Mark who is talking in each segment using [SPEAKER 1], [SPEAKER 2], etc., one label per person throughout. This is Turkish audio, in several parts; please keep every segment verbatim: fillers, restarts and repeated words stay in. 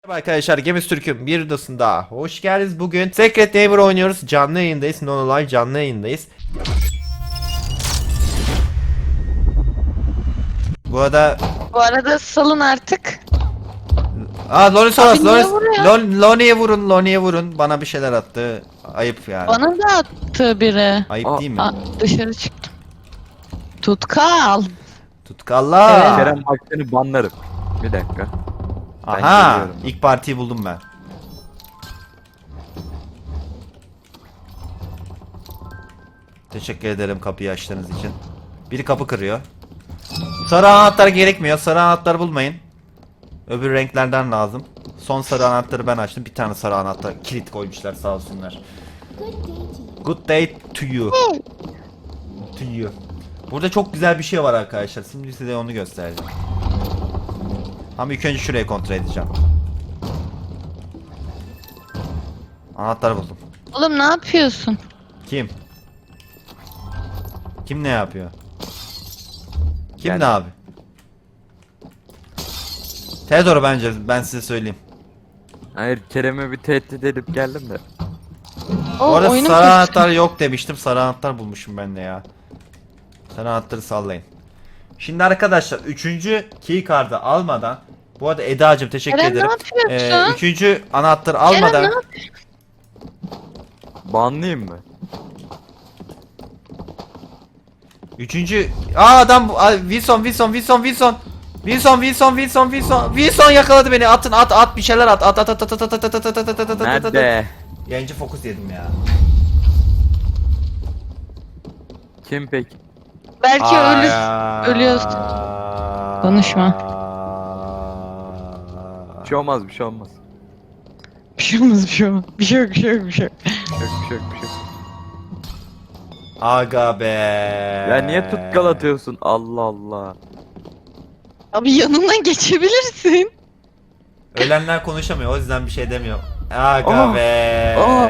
[SPEAKER 1] Merhaba arkadaşlar, Gemiz Türk'ün bir videosunda hoş geldiniz. Bugün Secret Neighbor oynuyoruz. Canlı yayındayız. No Live canlı yayındayız. Bu arada
[SPEAKER 2] Bu arada salın artık.
[SPEAKER 1] Aa Loni Soras,
[SPEAKER 2] Abi niye
[SPEAKER 1] Loni
[SPEAKER 2] vuruyor?
[SPEAKER 1] Lon- Loni'ye vurun, Loni'ye vurun. Bana bir şeyler attı. Ayıp yani.
[SPEAKER 2] Bana da attı biri.
[SPEAKER 1] Ayıp
[SPEAKER 3] Aa,
[SPEAKER 1] değil mi?
[SPEAKER 2] Aa, dışarı çıktım. Tutkal.
[SPEAKER 1] Tutkalla.
[SPEAKER 2] Evet.
[SPEAKER 3] Kerem bak seni banlarım. Bir dakika. Ben
[SPEAKER 1] Aha,
[SPEAKER 3] geliyorum.
[SPEAKER 1] ilk partiyi buldum ben. Teşekkür ederim kapıyı açtığınız için. Biri kapı kırıyor. Sarı anahtar gerekmiyor. Sarı anahtar bulmayın. Öbür renklerden lazım. Son sarı anahtarı ben açtım. Bir tane sarı anahtar kilit koymuşlar sağ olsunlar. Good day to you. To you. Burada çok güzel bir şey var arkadaşlar. Şimdi size onu göstereceğim. Ama ilk önce şurayı kontrol edeceğim. Anahtar buldum.
[SPEAKER 2] Oğlum ne yapıyorsun?
[SPEAKER 1] Kim? Kim ne yapıyor? Kim
[SPEAKER 3] Yani-
[SPEAKER 1] ne abi? Theodor bence ben size söyleyeyim.
[SPEAKER 3] Hayır, Kerem'e bir tehdit edip geldim de.
[SPEAKER 2] O
[SPEAKER 1] Bu arada
[SPEAKER 2] oyunun
[SPEAKER 1] sarı
[SPEAKER 2] kötüsü.
[SPEAKER 1] anahtar yok demiştim. Sarı anahtar bulmuşum ben de ya. Sarı anahtarı sallayın. Şimdi arkadaşlar üçüncü key card'ı almadan, bu arada Eda'cığım teşekkür
[SPEAKER 2] Kerem,
[SPEAKER 1] ederim.
[SPEAKER 2] ne yapıyorsun?
[SPEAKER 1] Ee, üçüncü anahtarı
[SPEAKER 2] Kerem,
[SPEAKER 1] almadan
[SPEAKER 2] ne yapıyorsun?
[SPEAKER 3] Banlayayım mı?
[SPEAKER 1] üçüncü Aa adam bu- Aa, Wilson Wilson Wilson Wilson Wilson Wilson Wilson Wilson Wilson yakaladı beni. Atın at at bir şeyler at at at at at at at at at at at at at at at.
[SPEAKER 3] Nerede?
[SPEAKER 1] Yayıncı fokus yedim ya.
[SPEAKER 3] Kim peki?
[SPEAKER 2] Belki ölür. ölüyorsun. Konuşma.
[SPEAKER 3] Bir şey olmaz, bir şey olmaz.
[SPEAKER 2] Bir şey olmaz, bir şey olmaz. Bir şey yok, bir şey yok, bir şey yok.
[SPEAKER 3] Yok, bir şey yok, bir şey yok.
[SPEAKER 1] Aga be.
[SPEAKER 3] Ya niye tutkal atıyorsun? Allah Allah.
[SPEAKER 2] Abi yanından geçebilirsin.
[SPEAKER 1] Ölenler konuşamıyor, o yüzden bir şey demiyor. Aga
[SPEAKER 3] Aa,
[SPEAKER 1] be.
[SPEAKER 3] aa.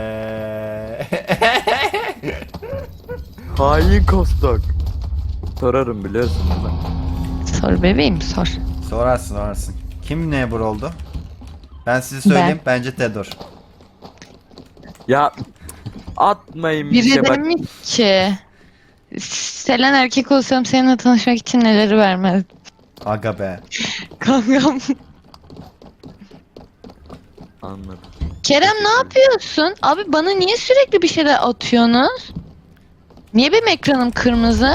[SPEAKER 3] Hain kostok. Sorarım biliyorsun değil mi?
[SPEAKER 2] Sor bebeğim, sor.
[SPEAKER 1] Sorarsın sorarsın. Kim neighbor oldu? Ben size söyleyeyim,
[SPEAKER 2] Ben.
[SPEAKER 1] bence Theodor.
[SPEAKER 3] Ya atmayın bir
[SPEAKER 2] Biri
[SPEAKER 3] şey bak.
[SPEAKER 2] demiş ki Selen erkek olsam seninle tanışmak için neleri vermez.
[SPEAKER 1] Aga be.
[SPEAKER 2] Kankam.
[SPEAKER 3] Anladım.
[SPEAKER 2] Kerem ne yapıyorsun? Abi bana niye sürekli bir şeyler atıyorsunuz? Niye benim ekranım kırmızı?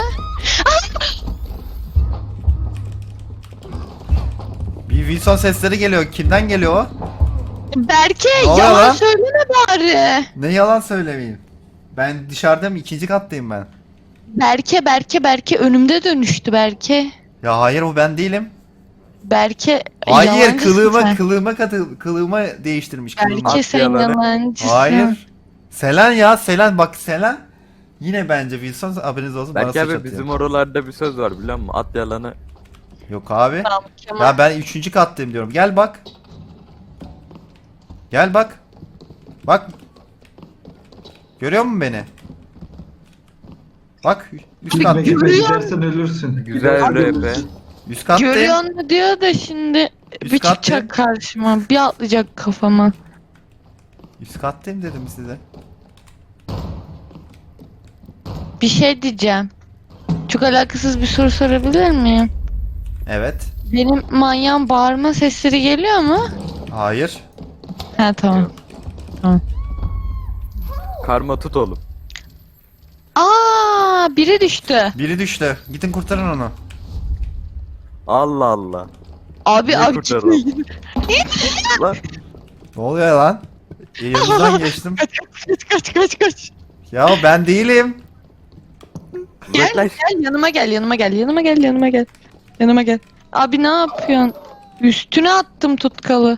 [SPEAKER 1] Bir Wilson sesleri geliyor. Kimden geliyor o?
[SPEAKER 2] Berke
[SPEAKER 1] Ne oluyor
[SPEAKER 2] yalan
[SPEAKER 1] lan?
[SPEAKER 2] söyleme bari.
[SPEAKER 1] Ne yalan söylemeyeyim. Ben dışarıdayım, ikinci kattayım ben.
[SPEAKER 2] Berke Berke Berke önümde dönüştü Berke.
[SPEAKER 1] Ya hayır, o ben değilim.
[SPEAKER 2] Berke
[SPEAKER 1] Hayır,
[SPEAKER 2] yalancısın
[SPEAKER 1] kılığıma
[SPEAKER 2] sen.
[SPEAKER 1] kılığıma katı kılığıma değiştirmiş kılığıma.
[SPEAKER 2] Berke sen
[SPEAKER 3] Atyaları.
[SPEAKER 2] yalancısın.
[SPEAKER 1] Hayır. Selen ya, Selen bak Selen. Yine bence Wilson, haberiniz olsun, bana
[SPEAKER 3] Belki
[SPEAKER 1] suç
[SPEAKER 3] abi
[SPEAKER 1] atıyor.
[SPEAKER 3] bizim oralarda bir söz var biliyor musun? At yalanı.
[SPEAKER 1] Yok abi.
[SPEAKER 2] Tamam, Kemal.
[SPEAKER 1] Ya ben üçüncü kattayım diyorum. Gel bak. Gel bak. Bak. Görüyor musun beni? Bak üst
[SPEAKER 4] Gitme
[SPEAKER 1] kattayım.
[SPEAKER 4] gitme
[SPEAKER 2] Görüyor
[SPEAKER 4] gidersen ölürsün.
[SPEAKER 3] Güzel
[SPEAKER 4] Gidersen
[SPEAKER 3] rap be.
[SPEAKER 4] ölürsün.
[SPEAKER 1] Üst kattayım.
[SPEAKER 2] Görüyor musun diyor da şimdi
[SPEAKER 1] Üst
[SPEAKER 2] bir
[SPEAKER 1] kattayım.
[SPEAKER 2] çıkacak karşıma, bir atlayacak kafama.
[SPEAKER 1] Üst kattayım dedim size.
[SPEAKER 2] Bir şey diyeceğim. Çok alakasız bir soru sorabilir miyim?
[SPEAKER 1] Evet.
[SPEAKER 2] Benim manyağın bağırma sesleri geliyor mu?
[SPEAKER 1] Hayır.
[SPEAKER 2] Ha tamam.
[SPEAKER 3] Karma tut oğlum.
[SPEAKER 2] Aa, biri düştü.
[SPEAKER 1] Biri düştü. Gidin kurtarın onu.
[SPEAKER 3] Allah Allah.
[SPEAKER 2] Abi
[SPEAKER 3] Niye
[SPEAKER 2] abi
[SPEAKER 3] kurtaralım?
[SPEAKER 2] çıkmayın.
[SPEAKER 3] Lan
[SPEAKER 1] Ne oluyor lan? Yanınızdan geçtim.
[SPEAKER 2] Kaç kaç kaç kaç.
[SPEAKER 1] Ya ben değilim.
[SPEAKER 2] Gel
[SPEAKER 3] uzaklaş.
[SPEAKER 2] gel yanıma gel yanıma gel yanıma gel yanıma gel. Yanıma gel. Abi ne yapıyorsun? Üstüne attım tutkalı.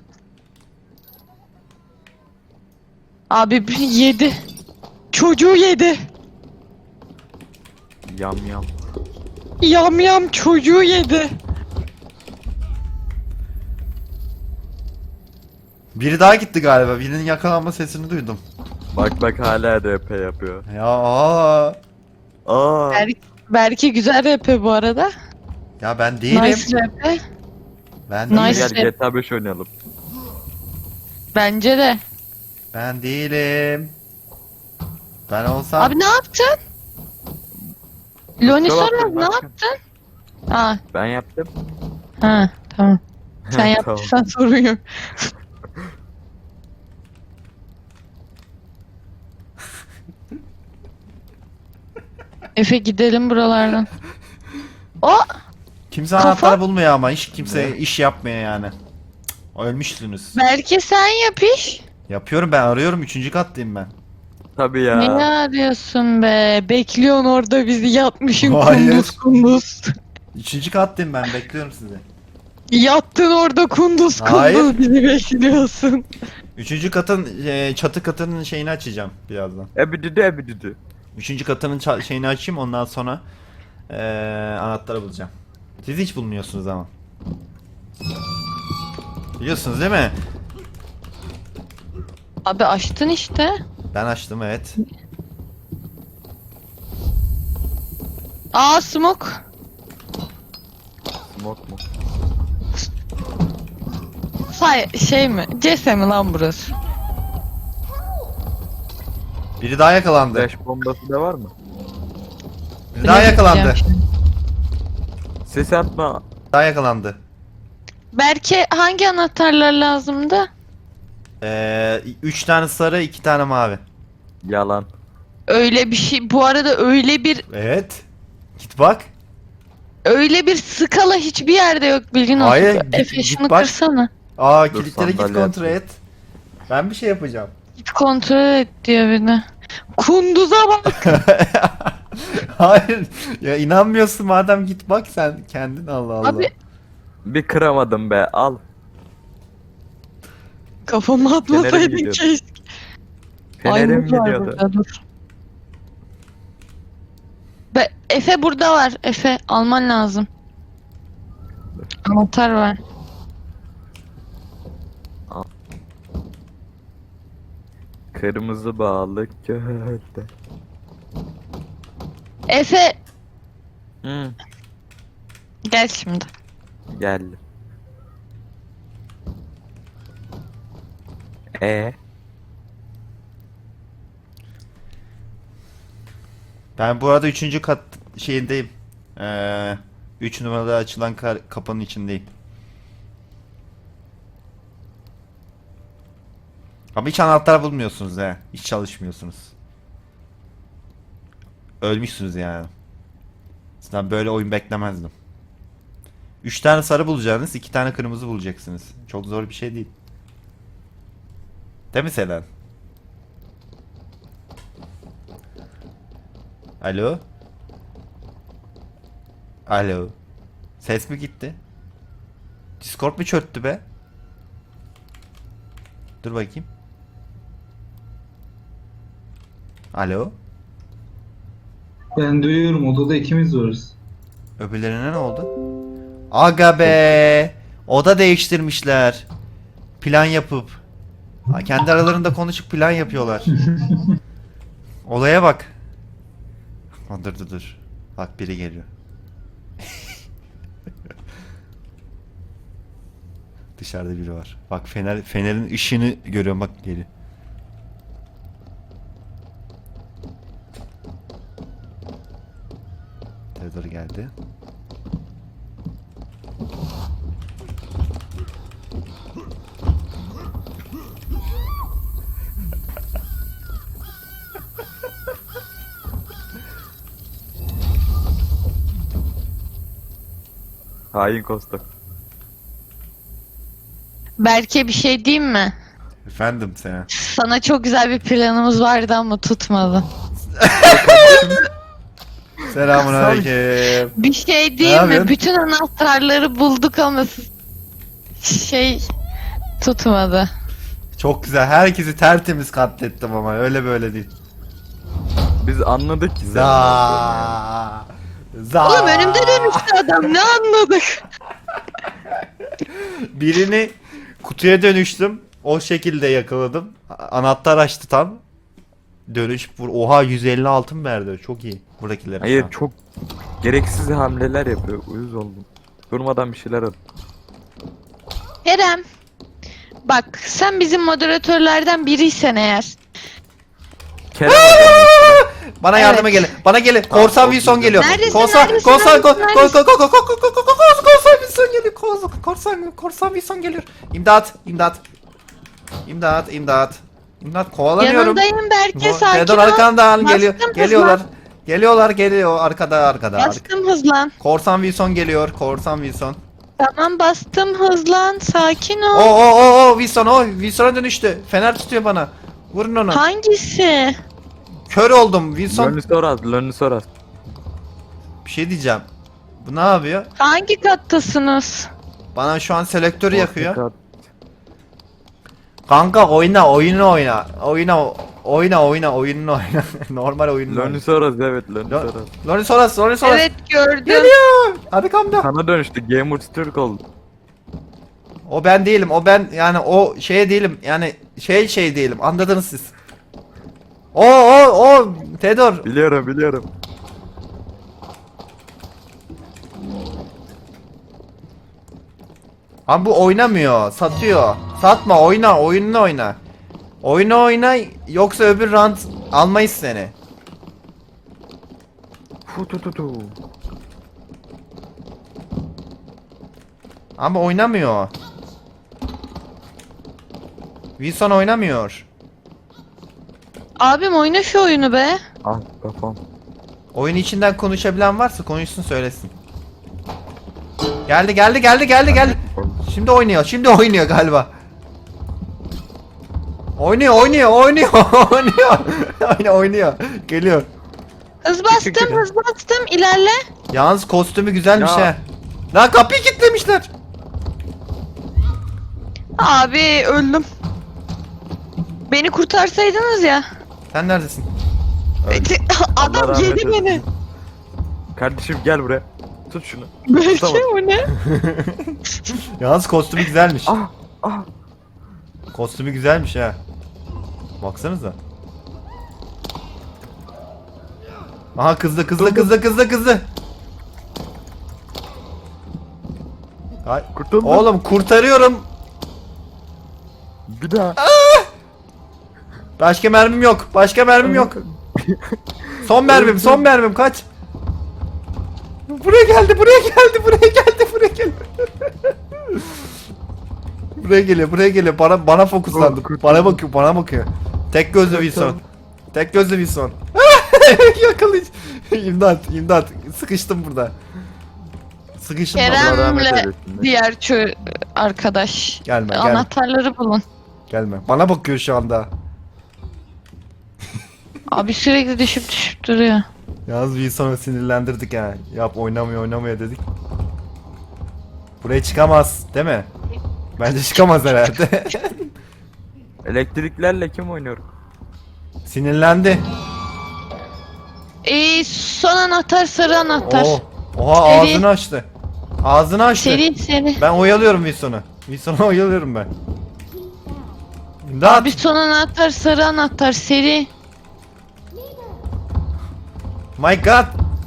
[SPEAKER 2] Abi bir yedi. Çocuğu yedi.
[SPEAKER 3] Yam yam.
[SPEAKER 2] Yam yam çocuğu yedi.
[SPEAKER 1] Biri daha gitti galiba. Birinin yakalanma sesini duydum.
[SPEAKER 3] Bak bak hala rap yapıyor.
[SPEAKER 1] Ya aa.
[SPEAKER 3] Aa.
[SPEAKER 2] Ber Berke güzel rap'i bu arada.
[SPEAKER 1] Ya ben değilim.
[SPEAKER 2] Nice rap'i.
[SPEAKER 1] Ben
[SPEAKER 2] Nice.
[SPEAKER 1] değilim.
[SPEAKER 3] Gel G T A beş oynayalım.
[SPEAKER 2] Bence de.
[SPEAKER 1] Ben değilim. Ben olsam...
[SPEAKER 2] Abi ne yaptın? Loni
[SPEAKER 3] Kusura
[SPEAKER 2] sormaz
[SPEAKER 3] bakma,
[SPEAKER 2] ne
[SPEAKER 3] ben-
[SPEAKER 2] yaptın? Aa,
[SPEAKER 3] Ben yaptım.
[SPEAKER 2] ha tamam. Sen
[SPEAKER 3] Tamam.
[SPEAKER 2] yaptıysan sorun yok. Efe gidelim buralardan. O
[SPEAKER 1] Kimse
[SPEAKER 2] Kafa-
[SPEAKER 1] anahtar bulmuyor ama hiç kimse
[SPEAKER 3] Ne?
[SPEAKER 1] iş yapmıyor yani. Cık, ölmüşsünüz.
[SPEAKER 2] belki sen yap iş.
[SPEAKER 1] Yapıyorum ben, arıyorum, üçüncü kattayım ben.
[SPEAKER 3] Tabii ya.
[SPEAKER 2] Ne arıyorsun be? Bekliyorsun orada bizi yatmışın
[SPEAKER 1] Hayır.
[SPEAKER 2] kunduz kunduz.
[SPEAKER 1] Üçüncü kattayım ben, bekliyorum sizi.
[SPEAKER 2] Yattın orada kunduz
[SPEAKER 1] Hayır.
[SPEAKER 2] kunduz bizi bekliyorsun.
[SPEAKER 1] Üçüncü katın, e, çatı katının şeyini açacağım birazdan.
[SPEAKER 3] Ebididi ebididi.
[SPEAKER 1] Üçüncü katının ça- şeyini açayım, ondan sonra e, anahtarı bulacağım. Siz hiç bulmuyorsunuz ama. Biliyorsunuz değil mi?
[SPEAKER 2] Abi açtın işte.
[SPEAKER 1] Ben açtım, evet.
[SPEAKER 2] Aa smoke.
[SPEAKER 3] Smoke mu?
[SPEAKER 2] Say şey mi? C S mi lan burası?
[SPEAKER 1] Biri daha yakalandı.
[SPEAKER 3] Flash bombası da var mı?
[SPEAKER 1] Biri daha
[SPEAKER 2] Bilemedim
[SPEAKER 1] yakalandı.
[SPEAKER 2] ya.
[SPEAKER 3] Ses atma.
[SPEAKER 1] Daha yakalandı.
[SPEAKER 2] Berke hangi anahtarlar lazımdı?
[SPEAKER 1] Ee, üç tane sarı, iki tane mavi.
[SPEAKER 3] Yalan.
[SPEAKER 2] Öyle bir şey. Bu arada öyle bir
[SPEAKER 1] Evet. Git bak.
[SPEAKER 2] öyle bir skala hiçbir yerde yok bilgin olsun.
[SPEAKER 1] Hayır, git-
[SPEAKER 2] Efe
[SPEAKER 1] git
[SPEAKER 2] şunu
[SPEAKER 1] bak.
[SPEAKER 2] kırsana.
[SPEAKER 1] Aa,
[SPEAKER 3] Dur,
[SPEAKER 1] kilitleri git
[SPEAKER 3] sandalye
[SPEAKER 1] kontrol
[SPEAKER 3] atayım.
[SPEAKER 1] et. Ben bir şey yapacağım.
[SPEAKER 2] Git kontrol et diyor bir de. Kunduza bak.
[SPEAKER 1] Hayır. Ya inanmıyorsun madem, git bak sen kendin, Allah Allah.
[SPEAKER 2] Abi
[SPEAKER 3] Bir kıramadım be. Al.
[SPEAKER 2] kafama
[SPEAKER 3] Fenerim
[SPEAKER 2] atmasaydın
[SPEAKER 3] gidiyor.
[SPEAKER 2] keşke.
[SPEAKER 3] Fenerim
[SPEAKER 2] Aymut var
[SPEAKER 3] gidiyordu.
[SPEAKER 2] burada, dur. Be Efe burada var. Efe alman lazım. Anahtar var.
[SPEAKER 3] Kırmızı balık gölde.
[SPEAKER 2] Efe
[SPEAKER 3] Hı.
[SPEAKER 2] gel şimdi.
[SPEAKER 3] Geldi. E
[SPEAKER 1] Ben bu arada üçüncü kat şeyindeyim. Ee, üç numaralı açılan kar- kapının içindeyim. Ama hiç anahtar bulmuyorsunuz he. Hiç çalışmıyorsunuz. Ölmüşsünüz yani. Sizden böyle oyun beklemezdim. Üç tane sarı bulacaksınız, iki tane kırmızı bulacaksınız. Çok zor bir şey değil. Değil mi Selen? Alo? Alo? Ses mi gitti? Discord mu çöktü be? Dur bakayım. Alo?
[SPEAKER 4] Ben duyuyorum, odada ikimiz varız.
[SPEAKER 1] Öbürlerine ne oldu? Aga be! Oda değiştirmişler. Plan yapıp. Ha, kendi aralarında konuşup plan yapıyorlar. Olaya bak. Ha, dur dur dur. Bak biri geliyor. Dışarıda biri var. Bak fener fenerin ışığını görüyorum, bak geliyor. Theodor geldi.
[SPEAKER 3] hain kostok.
[SPEAKER 2] Berke bir şey diyeyim mi?
[SPEAKER 1] Efendim sen.
[SPEAKER 2] Sana çok güzel bir planımız vardı ama tutmadı.
[SPEAKER 1] Selamun aleyküm.
[SPEAKER 2] Bir şey
[SPEAKER 1] Ne
[SPEAKER 2] diyeyim mi?
[SPEAKER 1] yapıyorsun?
[SPEAKER 2] Bütün anahtarları bulduk ama s- şey tutmadı.
[SPEAKER 1] Çok güzel. Herkesi tertemiz katlettim ama öyle böyle değil.
[SPEAKER 3] Biz anladık ki sen.
[SPEAKER 1] Za. Za.
[SPEAKER 2] Oğlum önümde dönüştü adam, ne anladık?
[SPEAKER 1] Birini kutuya dönüştüm. O şekilde yakaladım. A- Anahtar açtı tam. Dönüş vur. Oha, yüz elli altın verdi. Çok iyi. Buradakiler.
[SPEAKER 3] Hayır, çok gereksiz hamleler yapıyor. Uyuz oldum. Durmadan bir şeyler at.
[SPEAKER 2] Kerem, bak sen bizim moderatörlerden biriysen eğer.
[SPEAKER 3] Kerem adam.
[SPEAKER 1] Bana yardıma
[SPEAKER 2] Evet.
[SPEAKER 1] gelin. Bana gelin. Korsan Wilson geliyor.
[SPEAKER 2] Neredesin,
[SPEAKER 1] Korsan,
[SPEAKER 2] neredesin,
[SPEAKER 1] korsan,
[SPEAKER 2] neredesin,
[SPEAKER 1] korsan,
[SPEAKER 2] neredesin?
[SPEAKER 1] korsan, korsan, korsan, korsan, korsan Wilson geliyor. Korsan, korsan, korsan Wilson geliyor. İmdat, imdat. İmdat, imdat. İmdat kovalanıyorum.
[SPEAKER 2] Yanındayım Berke,
[SPEAKER 1] Bu-
[SPEAKER 2] sakin
[SPEAKER 1] Fedor
[SPEAKER 2] ol.
[SPEAKER 1] arkandan geliyor.
[SPEAKER 2] Bastım,
[SPEAKER 1] Geliyorlar. Geliyorlar, geliyor arkada arkada. arka-
[SPEAKER 2] Bastım, hızlan.
[SPEAKER 1] Korsan Wilson geliyor. Korsan Wilson.
[SPEAKER 2] Tamam, bastım, hızlan, sakin
[SPEAKER 1] O
[SPEAKER 2] ol.
[SPEAKER 1] o o o Wilson o Wilson'a dönüştü. Fener tutuyor bana. Vurun onu.
[SPEAKER 2] Hangisi?
[SPEAKER 1] Kör oldum Wilson.
[SPEAKER 3] Lönnisoras, Lönnisoras.
[SPEAKER 1] Bir şey diyeceğim. Bu ne yapıyor?
[SPEAKER 2] Hangi kattasınız?
[SPEAKER 1] Bana şu an selektörü yakıyor.
[SPEAKER 3] Orta
[SPEAKER 1] Kanka oyna oyunu oyna. Oyna oyna oyna oyununu oyna. Normal oyununu oyna.
[SPEAKER 3] Lönnisoras evet Lönnisoras.
[SPEAKER 1] Lonisoras Lonisoras.
[SPEAKER 2] Evet, gördüm.
[SPEAKER 1] Geliyor. Arkamda.
[SPEAKER 3] Sana dönüştü. Gamers Türk oldu.
[SPEAKER 1] O ben değilim. O ben yani o şey değilim. Yani şey şey değilim. Anladınız siz. O o o Fedor.
[SPEAKER 3] Biliyorum biliyorum.
[SPEAKER 1] Abi bu oynamıyor. Satıyor. Satma oyna. Oyununu oyna. Oyunu oyna yoksa öbür round almayız seni.
[SPEAKER 3] Fu tu tu tu.
[SPEAKER 1] Ama oynamıyor. Wilson oynamıyor.
[SPEAKER 2] Abim oyna şu oyunu be.
[SPEAKER 3] Ah kafam.
[SPEAKER 1] Oyun içinden konuşabilen varsa konuşsun söylesin. Geldi geldi geldi geldi geldi. Şimdi oynuyor. Şimdi oynuyor galiba. Oynuyor oynuyor oynuyor oynuyor. Oynuyor oynuyor. Geliyor.
[SPEAKER 2] Hız bastım,
[SPEAKER 1] Teşekkür
[SPEAKER 2] hız bastım, ilerle.
[SPEAKER 1] Yalnız kostümü güzelmiş
[SPEAKER 3] Ya.
[SPEAKER 1] he. Lan kapıyı kilitlemişler.
[SPEAKER 2] Abi öldüm. Beni kurtarsaydınız ya.
[SPEAKER 1] Sen neredesin?
[SPEAKER 3] Allah
[SPEAKER 2] Adam
[SPEAKER 3] rahmet
[SPEAKER 2] yedi
[SPEAKER 3] eylesin.
[SPEAKER 2] beni.
[SPEAKER 3] Kardeşim gel buraya. Tut şunu.
[SPEAKER 2] Belki
[SPEAKER 3] Tutamadım.
[SPEAKER 2] bu ne?
[SPEAKER 1] Yalnız kostümü güzelmiş.
[SPEAKER 3] Ah ah.
[SPEAKER 1] Kostümü güzelmiş ha. Baksanıza. Aha kızdı kızdı kızdı kızdı kızdı. Ay,
[SPEAKER 3] Kurtuldum.
[SPEAKER 1] oğlum kurtarıyorum.
[SPEAKER 3] Bir daha.
[SPEAKER 1] Başka mermim yok. Başka mermim yok. Son mermim, son mermim kaç. Buraya geldi, buraya geldi, buraya geldi, buraya geldi. Buraya geliyor, buraya geliyor. Bana bana fokuslandı.
[SPEAKER 3] Kurtuldum.
[SPEAKER 1] Bana bakıyor, bana bakıyor. Tek gözlü Wilson. Tek gözlü Wilson. Yakalayıcı. İmdat, imdat. Sıkıştım burada. Sıkıştım.
[SPEAKER 3] Allah rahmet
[SPEAKER 2] Kerem'le
[SPEAKER 3] eylesin.
[SPEAKER 2] diğer çö arkadaş.
[SPEAKER 1] Gelme, gelme.
[SPEAKER 2] Anahtarları bulun.
[SPEAKER 1] Gelme. Bana bakıyor şu anda.
[SPEAKER 2] Abi sürekli düşüp düşüp duruyor.
[SPEAKER 1] Yalnız Wilson'u sinirlendirdik ha. Yap oynamıyor oynamıyor dedik. Buraya çıkamaz değil mi? Bence çıkamaz herhalde.
[SPEAKER 3] Elektriklerle kim oynuyor?
[SPEAKER 1] Sinirlendi.
[SPEAKER 2] Ee, son anahtar sarı anahtar.
[SPEAKER 1] Oo. Oha
[SPEAKER 2] Seri.
[SPEAKER 1] ağzını açtı. Ağzını açtı.
[SPEAKER 2] Seri seri.
[SPEAKER 1] Ben oyalıyorum Wilson'u. Wilson'u oyalıyorum ben. İmdat.
[SPEAKER 2] Abi son anahtar sarı anahtar seri.
[SPEAKER 1] My god.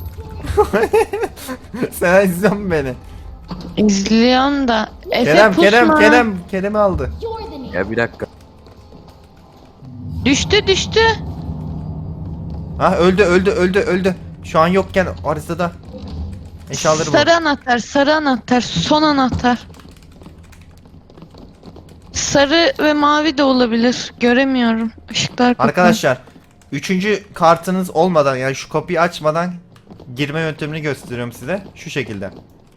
[SPEAKER 1] Sen izliyor musun beni?
[SPEAKER 2] İzliyorsun da. Efe
[SPEAKER 1] Kerem,
[SPEAKER 2] pusma.
[SPEAKER 1] Kerem, Kerem, Kerem'i aldı.
[SPEAKER 3] Ya bir dakika.
[SPEAKER 2] Düştü düştü.
[SPEAKER 1] Ha öldü, öldü, öldü, öldü. Şu an yokken haritada. Eşyaları
[SPEAKER 2] Sarı
[SPEAKER 1] bu.
[SPEAKER 2] anahtar sarı anahtar son anahtar. Sarı ve mavi de olabilir. Göremiyorum. Işıklar kapalı.
[SPEAKER 1] Arkadaşlar, üçüncü kartınız olmadan yani şu kapıyı açmadan girme yöntemini gösteriyorum size. Şu şekilde.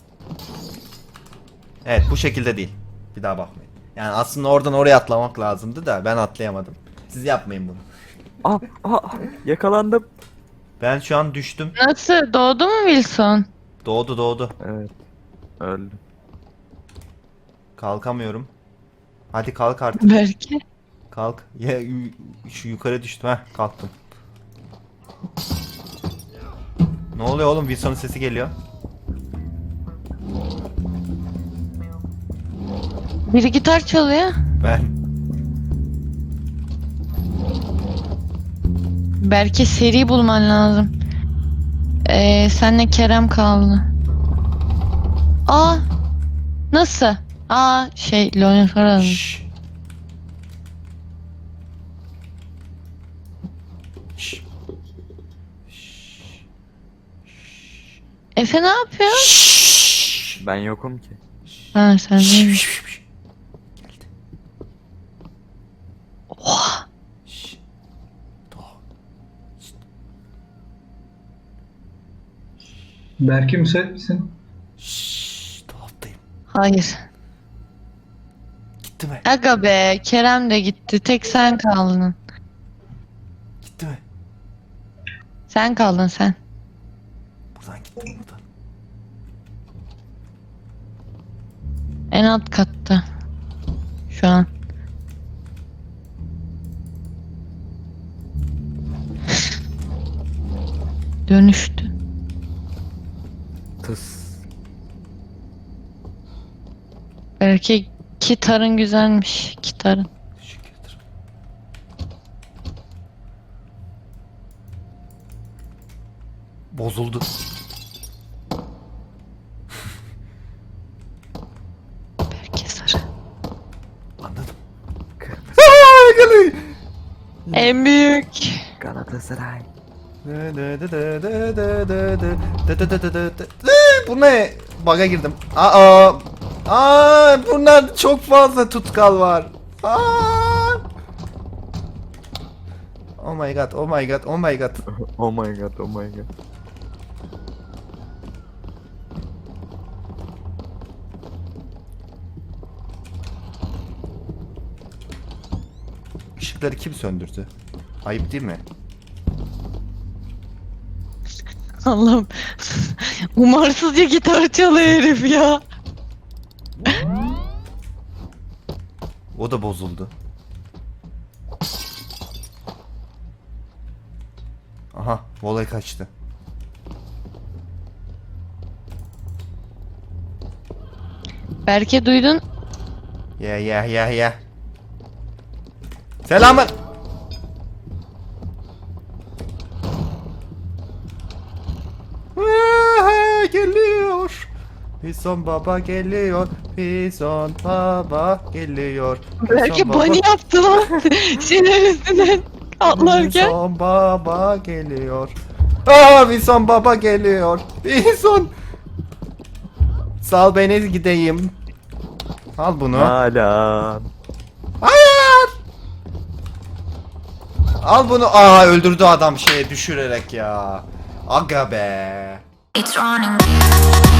[SPEAKER 1] Evet, bu şekilde değil. Bir daha bakmayın. Yani aslında oradan oraya atlamak lazımdı da ben atlayamadım. Siz yapmayın bunu.
[SPEAKER 3] Ah ah ah. Yakalandım.
[SPEAKER 1] Ben şu an düştüm.
[SPEAKER 2] Nasıl? Doğdu mu Wilson?
[SPEAKER 1] Doğdu doğdu.
[SPEAKER 3] Evet. Öldüm.
[SPEAKER 1] Kalkamıyorum. Hadi kalk artık.
[SPEAKER 2] Belki.
[SPEAKER 1] Kalk. Ya, yu- şu yukarı düştüm. Heh, kalktım. Ne oluyor oğlum? Wilson'un sesi geliyor.
[SPEAKER 2] Biri gitar çalıyor.
[SPEAKER 1] Ben.
[SPEAKER 2] Belki seri bulman lazım. Ee, senle Kerem kaldı. Aa, nasıl? Aa, şey, Leonard Ferrari.
[SPEAKER 1] Şşş. Şşş.
[SPEAKER 2] Efe ne yapıyor?
[SPEAKER 1] Şşş.
[SPEAKER 3] Ben yokum ki.
[SPEAKER 2] Ha sen değil.
[SPEAKER 1] Şşş. Geldi.
[SPEAKER 2] Oha.
[SPEAKER 1] Şşş. Doğa. Şşt.
[SPEAKER 4] Berke müsait misin?
[SPEAKER 1] Şşş. Dolaptayım.
[SPEAKER 2] Hayır.
[SPEAKER 1] Gitti mi?
[SPEAKER 2] Aga be Kerem de gitti. Tek sen kaldın.
[SPEAKER 1] Gitti mi?
[SPEAKER 2] Sen kaldın sen.
[SPEAKER 1] Buradan gitti mi buradan?
[SPEAKER 2] En alt katta. Şu an. Dönüştü.
[SPEAKER 3] Tıs.
[SPEAKER 2] Belki gitarın güzelmiş. Gitarın.
[SPEAKER 1] Teşekkür ederim. Bozuldu.
[SPEAKER 2] Belki sarı.
[SPEAKER 1] Anladım.
[SPEAKER 3] Kırmızı.
[SPEAKER 2] En büyük.
[SPEAKER 3] Galatasaray.
[SPEAKER 1] Bu ne? Bug'a girdim. Aa! Aa! Bunlar çok fazla tutkal var. Aa! Oh my god, oh my god, oh my god.
[SPEAKER 3] Oh my god, oh my god.
[SPEAKER 1] Işıkları kim söndürdü? Ayıp değil mi?
[SPEAKER 2] Allah'ım. Umarsızca gitar çalıyor herif ya.
[SPEAKER 1] O da bozuldu. Aha, voley kaçtı.
[SPEAKER 2] Berke duydun.
[SPEAKER 1] Ya ya ya ya. Selamın. Aa, geliyor. Pison baba geliyor. Pison baba geliyor.
[SPEAKER 2] Berke
[SPEAKER 1] Pison baba-
[SPEAKER 2] bunny yaptı lan. Şeyler üstünden atlarken.
[SPEAKER 1] Pison baba geliyor. Aa, Pison baba geliyor. Pison. Sal beni gideyim. Al bunu.
[SPEAKER 3] Hala.
[SPEAKER 1] Hayır. Al bunu. Aa, öldürdü adam şeye düşürerek ya. Aga be.
[SPEAKER 5] It's running.